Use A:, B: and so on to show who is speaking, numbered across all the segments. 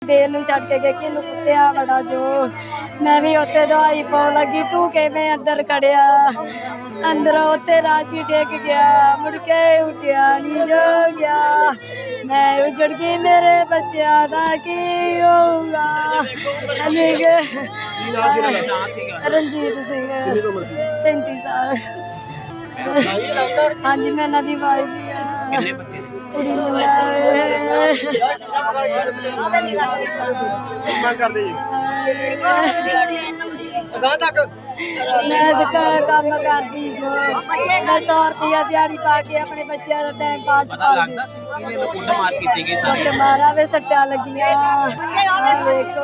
A: ਦੇਰ ਨੂੰ ਛੱਡ ਕੇ ਗਏ ਕਿ ਇਹਨੂੰ ਕੁੱਟਿਆ ਬੜਾ ਜੋ ਮੈਂ ਵੀ ਉੱਥੇ ਦਵਾਈ ਪਾਉਣ ਲੱਗੀ ਤੂੰ ਕਿਵੇਂ ਅੰਦਰ ਖੜਿਆ ਅੰਦਰੋਂ ਉੱਥੇ ਰਾਜੀ ਡਿੱਗ ਗਿਆ ਮੁੜ ਕੇ ਉੱਠਿਆ ਨਹੀਂ ਜੋ ਗਿਆ ਮੈਂ ਉਜੜ ਗਈ ਮੇਰੇ ਬੱਚਿਆਂ ਦਾ ਕੀ ਹੋਊਗਾ ਰਣਜੀਤ ਸਿੰਘ 37 ਸਾਲ ਹਾਂਜੀ ਮੈਂ ਇਹਨਾਂ ਦੀ ਵਾਈਫ
B: ਕਿੰਨੇ ਬੱਚੇ
A: ਕੁੜੀ ਨੂੰ
B: ਮੰਗ ਕਰਦੇ ਜੀ ਅਗਾਂਹ ਤੱਕ
A: ਮੈਂ ਕੰਮ ਕਰਦੀ ਜੋ ਮੈਂ 100 ਰੁਪਇਆ ਦਿਹਾੜੀ ਪਾ ਕੇ ਆਪਣੇ ਬੱਚਿਆਂ ਦਾ ਟਾਈਮ ਪਾਸ
B: ਪਤਾ ਲੱਗਦਾ ਸੀ ਕਿ ਇਹਨੂੰ ਕੁੱਟਮਾਰ ਕੀਤੀ ਗਈ ਸਾਰੇ
A: ਕੁੱਟ ਮਾਰਾ ਵੇ ਸੱਟਾਂ ਲੱਗੀਆਂ ਦੇਖੋ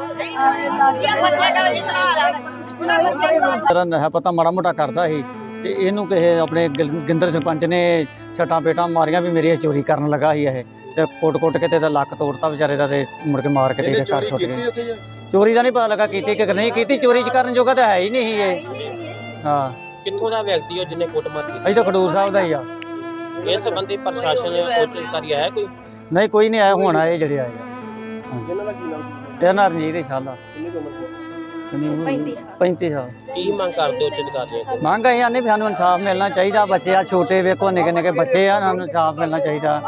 C: ਤੇਰਾ ਨਸ਼ਾ ਪਤਾ ਮਾੜਾ ਮੋਟਾ ਕਰਦਾ ਸੀ ਤੇ ਇਹਨੂੰ ਕਿਸੇ ਆਪਣੇ ਗਿੰਦਰ ਸਰਪੰਚ ਨੇ ਛਟਾਂ ਪੇਟਾਂ ਮਾਰੀਆਂ ਵੀ ਮੇਰੀ ਚੋਰੀ ਕਰਨ ਲੱਗਾ ਸੀ ਇਹ ਤੇ ਕੁੱਟ ਕੇ ਤੇ ਇਹਦਾ ਲੱਕ ਤੋੜਤਾ ਵਿਚਾਰੇ ਦਾ ਤੇ ਮੁੜ ਕੇ ਮਾਰ ਕੇ ਤੇ ਇਹਦੇ ਘਰ ਛੁੱਟ ਗਏ। ਚੋਰੀ ਦਾ ਨਹੀਂ ਪਤਾ ਲੱਗਾ ਕੀਤੀ ਕਿ ਨਹੀਂ ਕੀਤੀ, ਚੋਰੀ ਚ ਕਰਨ ਜੋਗਾ ਤਾਂ ਹੈ ਹੀ ਨਹੀਂ ਇਹ। ਹਾਂ
B: ਕਿੱਥੋਂ ਦਾ ਵਿਅਕਤੀ ਹੋ ਜਿਹਨੇ ਕੁੱਟਮਾਰ ਕੀਤੀ?
C: ਅਸੀਂ ਤਾਂ ਖਡੂਰ ਸਾਹਿਬ ਦਾ ਹੀ ਆ।
B: ਇਸ ਸੰਬੰਧੀ ਪ੍ਰਸ਼ਾਸਨ ਉੱਚ ਅਧਿਕਾਰੀ ਆਇਆ ਕੋਈ?
C: ਨਹੀਂ ਕੋਈ ਨਹੀਂ ਆਇਆ, ਹੁਣ ਆਏ ਜਿਹੜੇ ਆਏ
B: ਇਹਨਾਂ ਦਾ ਕੀ ਨਾਮ ਸੀ?
C: ਇਹ ਰਣਜੀਤ ਇਨਸ਼ਾਅੱਲਾ
B: ਕਿੰਨੀ ਉਮਰ ਸੀ?
C: 35 ਸਾਲ।
B: ਕੀ ਮੰਗ ਕਰਦੇ ਉੱਚ ਅਧਿਕਾਰੀਆਂ ਕੋਲ?
C: ਮੰਗ ਅਸੀਂ ਆਨੇ ਵੀ ਸਾਨੂੰ ਇਨਸਾਫ ਮਿਲਣਾ ਚਾਹੀਦਾ। ਬੱਚੇ ਆ ਛੋਟੇ ਵੇਖੋ ਨਿੱਕੇ ਨਿੱਕੇ ਬੱਚੇ ਆ, ਸਾਨੂੰ ਇਨਸਾਫ ਮਿਲਣਾ ਚਾਹੀਦਾ।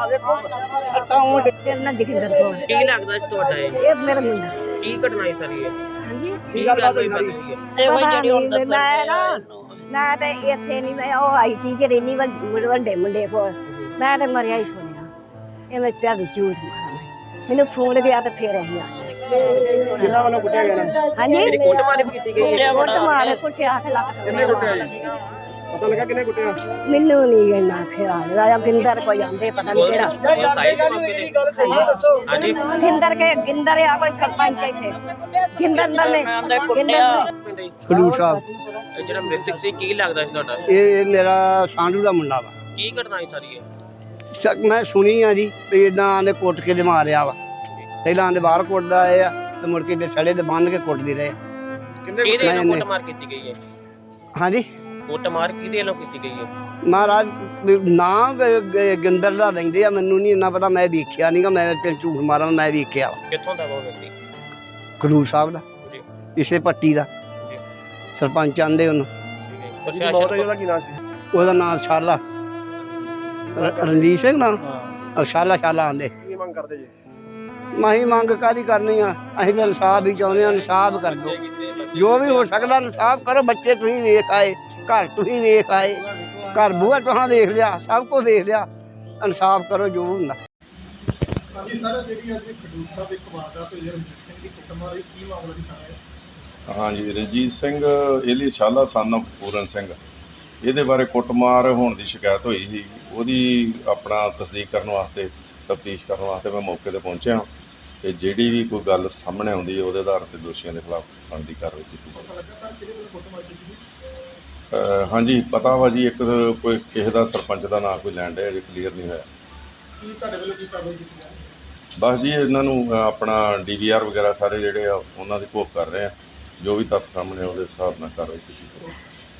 B: ਕੀ ਲੱਗਦਾ ਸੀ ਤੁਹਾਡਾ
A: ਇਹ ਮੇਰਾ ਮੁੰਡਾ
B: ਕੀ ਘਟਨਾ ਹੈ ਸਾਰੀ ਇਹ?
A: ਹਾਂਜੀ
B: ਕੀ ਗੱਲ ਹੋਈ ਸਾਰੀ?
A: ਇਹੋ ਜਿਹੜੀ ਹੁਣ ਦੱਸਣ ਮੈਂ ਤਾਂ ਇੱਥੇ ਨਹੀਂ ਮੈਂ ਉਹ ਆਈਟੀ ਚ ਰਹਿਨੀ ਵੱਡੇ ਮੁੰਡੇ ਕੋਲ ਮੈਂ ਤਾਂ ਮਰਿਆ ਹੀ ਸੁਣਿਆ ਇਹ ਮੈਂ ਪਿਆ ਵੀ ਝੂਠ ਮਾਰਾਂ ਮੈਨੂੰ ਫੋਨ ਗਿਆ ਤੇ ਫੇਰ ਅਸੀਂ ਆ
B: ਕਿੰਨਾ ਵੱਲੋਂ ਕੁੱਟਿਆ ਗਿਆ ਨਾ?
A: ਹਾਂਜੀ
B: ਜਿਹੜੀ ਕੁੱਟਮਾਰ ਵੀ ਕੀਤੀ ਗਈ ਹੈ?
A: ਕੁੱਟ ਮਾਰ ਕੁੱਟਿਆ 8 ਲੱਖ
B: ਕਿੰਨੇ ਕੁੱਟਿਆ ਜੀ? ਪਤਾ ਲੱਗਾ ਕਿੰਨੇ ਕੁੱਟਿਆ?
A: ਮੈਨੂੰ ਨਹੀਂ ਇੰਨਾ ਖਿਆਲ ਰਾਜਾ ਗਿੰਦਰ ਕੋਈ ਆਂਦੇ ਪਤਾ ਨਹੀਂ ਕਿਹੜਾ
B: ਹਾਂਜੀ
A: ਗਿੰਦਰ ਆ ਕੋਈ ਸਰਪੰਚ ਇੱਥੇ ਗਿੰਦਰ ਨੇ
D: ਖਡੂਰ ਸਾਹਿਬ
B: ਇਹ ਜਿਹੜਾ ਮ੍ਰਿਤਕ ਸੀ ਕੀ ਲੱਗਦਾ ਸੀ ਤੁਹਾਡਾ?
D: ਇਹ ਮੇਰਾ ਸਾਂਢੂ ਦਾ ਮੁੰਡਾ ਵਾ।
B: ਕੀ ਘਟਨਾ ਹੈ ਸਾਰੀ ਇਹ?
D: ਮੈਂ ਸੁਣੀ ਆ ਜੀ ਵੀ ਇਦਾਂ ਆਂਦੇ ਕੁੱਟ ਕੇ ਦੇ ਮਾਰਿਆ ਵਾ। ਪਹਿਲਾਂ ਆਂਦੇ ਬਾਹਰ ਕੁੱਟਦਾ ਆਏ ਆ ਤੇ ਮੁੜ ਕੇ ਸੜੇ ਤੇ ਬੰਨ ਕੇ ਕੁੱਟਦੇ ਰਹੇ।
B: ਕਿਹਦੇ ਵੱਲੋਂ ਕੁੱਟਮਾਰ ਕੀਤੀ ਗਈ ਹੈ?
D: ਹਾਂਜੀ
B: ਕੁੱਟਮਾਰ ਕਿਹਦੇ ਵੱਲੋਂ ਕੀਤੀ ਗਈ ਹੈ?
D: ਮਹਾਰਾਜ ਨਾਮ ਗਿੰਦਰ ਦਾ ਲੈਂਦੇ ਆ, ਮੈਨੂੰ ਨਹੀਂ ਇੰਨਾ ਪਤਾ, ਮੈਂ ਦੇਖਿਆ ਨਹੀਂਗਾ, ਮੈਂ ਤੇ ਝੂਠ ਮਾਰਾਂ ਮੈਂ ਦੇਖਿਆ ਵਾ।
B: ਕਿੱਥੋਂ ਦਾ ਉਹ ਵਿਅਕਤੀ?
D: ਖਡੂਰ ਸਾਹਿਬ ਦਾ
B: ਜੀ
D: ਇਸੇ ਪੱਟੀ ਦਾ
B: ਜੀ
D: ਸਰਪੰਚ ਆਂਦੇ ਉਹਨੂੰ।
B: ਪ੍ਰਸ਼ਾਸਨ
D: ਕੀ ਨਾਮ ਸੀ? ਉਹਦਾ ਨਾਮ ਸ਼ਾਲਾ ਰਣਜੀਤ ਸਿੰਘ ਨਾਮ ਸ਼ਾਲਾ ਆਂਦੇ।
B: ਕੀ ਮੰਗ ਕਰਦੇ ਜੀ?
D: ਮਾਹੀ ਮੰਗ ਕਾਹਦੀ ਕਰਨੀ ਆ, ਅਸੀਂ ਤਾਂ ਇਨਸਾਫ ਹੀ ਚਾਹੁੰਦੇ ਹਾਂ। ਇਨਸਾਫ ਕਰ ਦਿਓ, ਜੋ ਵੀ ਹੋ ਸਕਦਾ ਇਨਸਾਫ ਕਰੋ। ਬੱਚੇ ਤੁਸੀਂ ਵੇਖ ਆਏ, ਘਰ ਤੁਸੀਂ ਵੇਖ ਆਏ, ਘਰ ਬੂਹਾ ਤੁਹਾਂ ਦੇਖ ਲਿਆ, ਸਭ ਕੁਝ ਦੇਖ ਲਿਆ। ਇਨਸਾਫ ਕਰੋ ਜੋ ਹੁੰਦਾ।
E: ਹਾਂਜੀ ਸਰ, ਜਿਹੜੀ ਅੱਜ ਖਡੂਰ ਸਾਹਿਬ ਇੱਕ ਵਾਰਦਾਤ ਹੋਈ ਹੈ ਰਣਜੀਤ ਸਿੰਘ ਦੀ ਕੁੱਟਮਾਰ, ਇਹ ਕੀ ਮਾਮਲਾ ਦੀ ਸਾਹਮਣੇ?
F: ਹਾਂਜੀ, ਰਣਜੀਤ ਸਿੰਘ ਏਲੀ ਸ਼ਾਲਾ ਸਨ ਆਫ ਪੂਰਨ ਸਿੰਘ, ਇਹਦੇ ਬਾਰੇ ਕੁੱਟਮਾਰ ਹੋਣ ਦੀ ਸ਼ਿਕਾਇਤ ਹੋਈ ਸੀ। ਉਹਦੀ ਆਪਣਾ ਤਸਦੀਕ ਕਰਨ ਵਾਸਤੇ, ਤਫਤੀਸ਼ ਕਰਨ ਵਾਸਤੇ ਮੈਂ ਮੌਕੇ 'ਤੇ ਪਹੁੰਚਿਆ ਅਤੇ ਜਿਹੜੀ ਵੀ ਕੋਈ ਗੱਲ ਸਾਹਮਣੇ ਆਉਂਦੀ ਹੈ ਉਹਦੇ ਆਧਾਰ 'ਤੇ ਦੋਸ਼ੀਆਂ ਦੇ ਖਿਲਾਫ ਬਣਦੀ ਕਾਰਵਾਈ ਕੀਤੀ
E: ਪਤਾ ਲੱਗਾ ਸਰ ਕਿਹਦੇ ਵੱਲੋਂ ਕੁੱਟਮਾਰ ਕੀਤੀ ਸੀ?
F: ਹਾਂਜੀ ਪਤਾ ਵਾ ਜੀ, ਇੱਕ ਕੋਈ ਕਿਸੇ ਦਾ ਸਰਪੰਚ ਦਾ ਨਾਂ ਕੋਈ ਲੈਣ ਡਿਆ, ਅਜੇ ਕਲੀਅਰ ਨਹੀਂ ਹੋਇਆ।
E: ਕੀ ਤੁਹਾਡੇ ਵੱਲੋਂ ਕੀ ਕਾਰਵਾਈ ਕੀਤੀ ਜਾਵੇ?
F: ਬਸ ਜੀ ਇਹਨਾਂ ਨੂੰ ਆਪਣਾ DVR ਵਗੈਰਾ ਸਾਰੇ ਜਿਹੜੇ ਆ ਉਹਨਾਂ ਦੀ ਘੋਖ ਕਰ ਰਹੇ ਆ, ਜੋ ਵੀ ਤੱਥ ਸਾਹਮਣੇ ਉਹਦੇ ਹਿਸਾਬ ਨਾਲ ਕਾਰਵਾਈ ਕੀਤੀ ਜਾਵੇ।